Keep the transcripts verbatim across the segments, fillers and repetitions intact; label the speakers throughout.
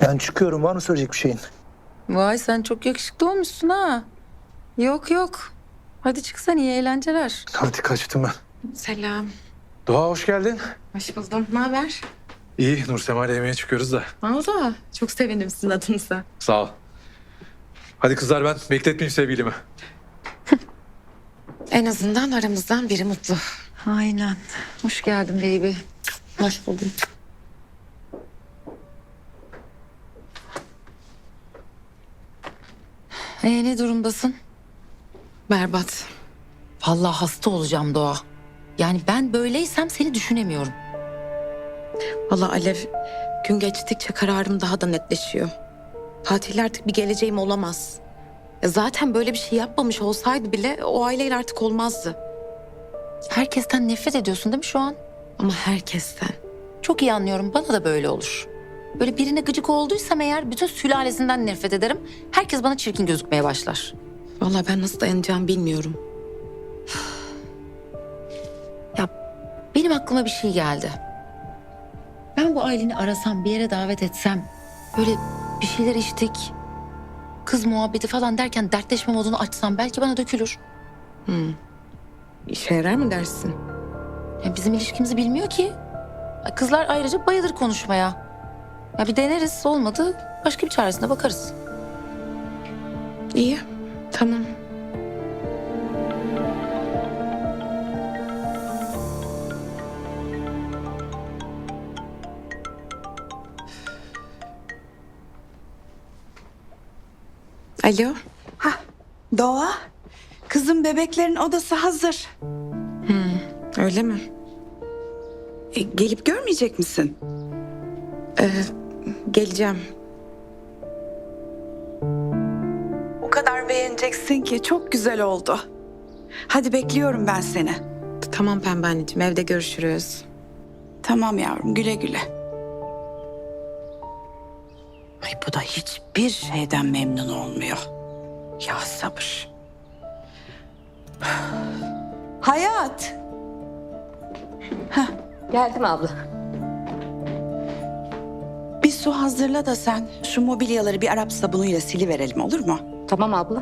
Speaker 1: Ben çıkıyorum. Var mı söyleyecek bir şeyin?
Speaker 2: Vay sen çok yakışıklı olmuşsun ha. Yok yok. Hadi çıksan iyi eğlenceler.
Speaker 1: Hadi kaçtım ben.
Speaker 3: Selam.
Speaker 1: Doğa hoş geldin.
Speaker 3: Hoş buldum. Ne haber?
Speaker 1: İyi. Nursema ile yemeğe çıkıyoruz da.
Speaker 3: Valla çok sevindim sizin adınıza.
Speaker 1: Sağ ol. Hadi kızlar ben bekletmeyeyim sevgilimi.
Speaker 3: En azından aramızdan biri mutlu.
Speaker 2: Aynen. Hoş geldin baby.
Speaker 3: Hoş buldum.
Speaker 2: Ee, ne durumdasın?
Speaker 3: Berbat.
Speaker 2: Vallahi hasta olacağım Doğa. Yani ben böyleysem seni düşünemiyorum.
Speaker 3: Valla Alev, gün geçtikçe kararım daha da netleşiyor. Tatilde artık bir geleceğim olamaz. Ya zaten böyle bir şey yapmamış olsaydı bile o aileyle artık olmazdı.
Speaker 2: Herkesten nefret ediyorsun değil mi şu an?
Speaker 3: Ama herkesten.
Speaker 2: Çok iyi anlıyorum. Bana da böyle olur. Böyle birine gıcık olduysam eğer bütün sülalesinden nefret ederim. Herkes bana çirkin gözükmeye başlar.
Speaker 3: Valla ben nasıl dayanacağımı bilmiyorum.
Speaker 2: Ya benim aklıma bir şey geldi. Ben bu aileni arasam, bir yere davet etsem, böyle bir şeyler içtik, kız muhabbeti falan derken dertleşme modunu açsam belki bana dökülür.
Speaker 3: İşe yarar mı dersin?
Speaker 2: Ya bizim ilişkimizi bilmiyor ki. Ya kızlar ayrıca bayılır konuşmaya. Ya bir deneriz, olmadı başka bir çaresine bakarız.
Speaker 3: İyi, tamam. Alo.
Speaker 4: Doğa, kızım bebeklerin odası hazır.
Speaker 3: Öyle mi?
Speaker 4: E, gelip görmeyecek misin?
Speaker 3: Geleceğim.
Speaker 4: O kadar beğeneceksin ki çok güzel oldu. Hadi bekliyorum ben seni.
Speaker 3: Tamam Pembe anneciğim, evde görüşürüz.
Speaker 4: Tamam yavrum, güle güle. Ay bu da hiçbir şeyden memnun olmuyor. Ya sabır. Hayat.
Speaker 5: Geldim abla.
Speaker 4: Bir su hazırla da sen şu mobilyaları bir Arap sabunuyla siliverelim, olur mu?
Speaker 5: Tamam abla.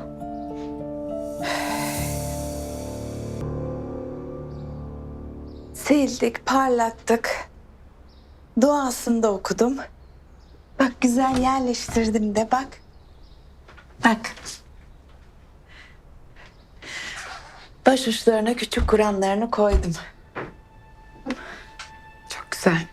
Speaker 4: Sildik, parlattık. Duasını da okudum. Bak güzel yerleştirdim de bak. Bak. Baş uçlarına küçük Kur'anlarını koydum.
Speaker 3: Çok güzel.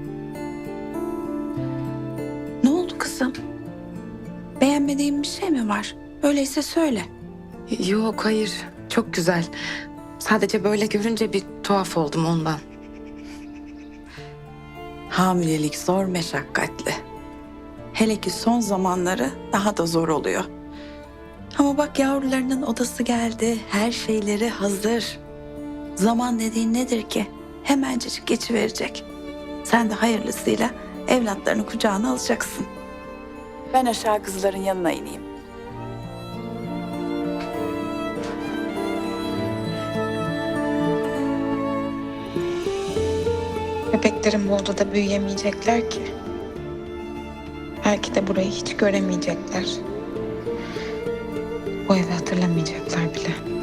Speaker 4: Ne oldu kızım? Beğenmediğin bir şey mi var? Öyleyse söyle.
Speaker 3: Yok hayır, çok güzel. Sadece böyle görünce bir tuhaf oldum ondan.
Speaker 4: Hamilelik zor, meşakkatli. Hele ki son zamanları daha da zor oluyor. Ama bak yavrularının odası geldi, her şeyleri hazır. Zaman dediğin nedir ki? Hemencecik geçiverecek. Sen de hayırlısıyla evlatlarını kucağına alacaksın. Ben aşağı kızların yanına ineyim.
Speaker 6: Bebeklerin bu odada büyüyemeyecekler ki. Belki de burayı hiç göremeyecekler. Bu evi hatırlamayacaklar bile.